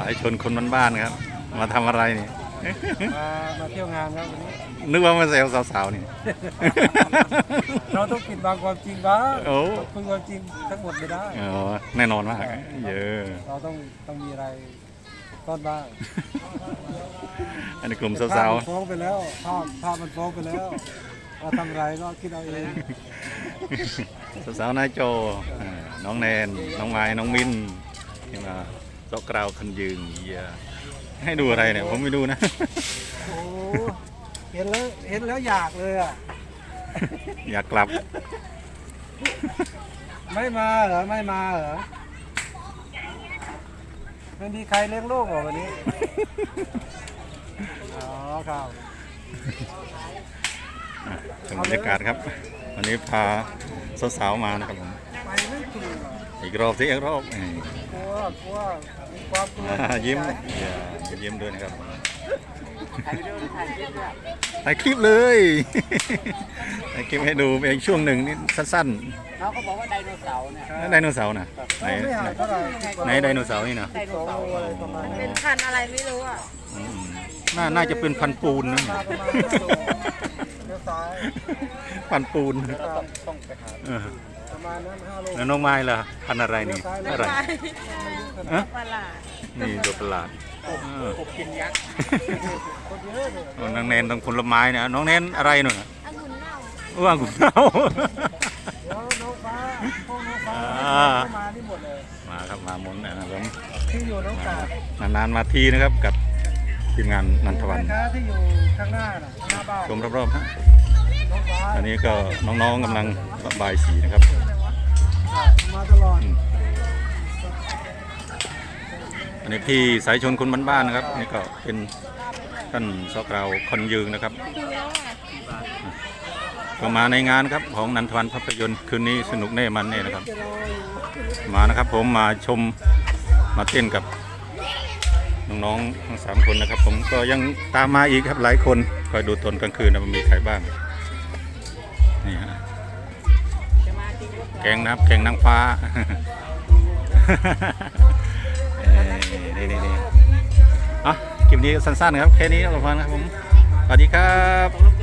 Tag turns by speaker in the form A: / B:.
A: ายชนคนบ้านๆครับมาทำอะไรนี่
B: มาเที่ยวงานครับวันนี้
A: นึกว่ามาเซลสาวๆนี่
B: เราต้องปิดบังความจริงบ้าง
A: โอ้
B: คุยความจริงทั้งหมดไม่ได้
A: อ๋อแน่นอนมากเยอะ
B: เราต้องมีอะไรต้อนบ้าง
A: อันนี้กลุ่มสาว
B: ๆฟ้องไปแล้วภาพมันฟ้องไปแล้วเราทำอะไรก็คิดเอาเอง
A: สาวๆนายโจน้องแนนน้องไม้น้องมินที่มาโต๊ะกราวคันยืนให้ดูอะไรเนี่ยผมไม่ดูนะ
B: โอ้เห็นแล้วอยากเลยอ่ะ
A: อยากกลับ
B: ไม่มาเหรอไม่มีใครเลี้ยงลูกเหรอวันนี้อ๋อครับ
A: ชมบรรยากาศครับวันนี้พาสาวๆมานะครับผม
B: ไปไม่ถูก
A: อีกรอบสิอีกรอบ
B: กลัวความกลัว
A: ยิ้มยิ้มด้วยนะครับถ่ายคลิปเลยถ่ายคลิปให้ดูเป็นช่วงหนึ่งนี่สั้น
C: ๆเขาก็บอกว่าไดโนเสาร์เนี่ย
A: ไดโนเสาร์นะไหนไดโนเสาร์นี่นะ
C: เป็นพันอะไรไม่รู้อ่ะ
A: น่าจะเป็นพันปูนนะพันปูนแล้วน้องไม้ล่ะพันอะไรนี่อะไรนี่ตัวประหลาด
C: กินยักษ์
A: น้องเน้นต้องผลไม้นะน้องเน้นอะไรหน่อย
C: องุ่นเน่า
A: องุ่นเน่า
B: น้องฟ้ามาที่หมดเลย
A: มาครับมาหมดนะครับผม
B: ที่อยู่น้องกาด
A: นานๆมาทีนะครับกับทีมงานนันทวัน
B: ที่อยู่ข้างหน้าบ้าน
A: ชมรอบๆฮะอันนี้ก็น้องๆกำลังระบายสีนะครับ
B: มาตลอด
A: อันนี้พี่สายชนคนบ้านๆนะครับนี่ก็เป็นท่านสกราวคนยืงนะครับก็มาในงานครับของนันทวันภาพยนตร์คืนนี้สนุกแน่มันแน่นะครับมานะครับผมมาชมมาเต้นกับน้องๆทั้ง3 คนนะครับผมก็ยังตามมาอีกครับหลายคนคอยดูตอนกลางคืนนะมันมีใครบ้างนี่ฮะแกงนางฟ้านี่อ่ะคลิปนี้สั้นๆครับแค่นี้ก็พอนะครับผมสวัสดีครับ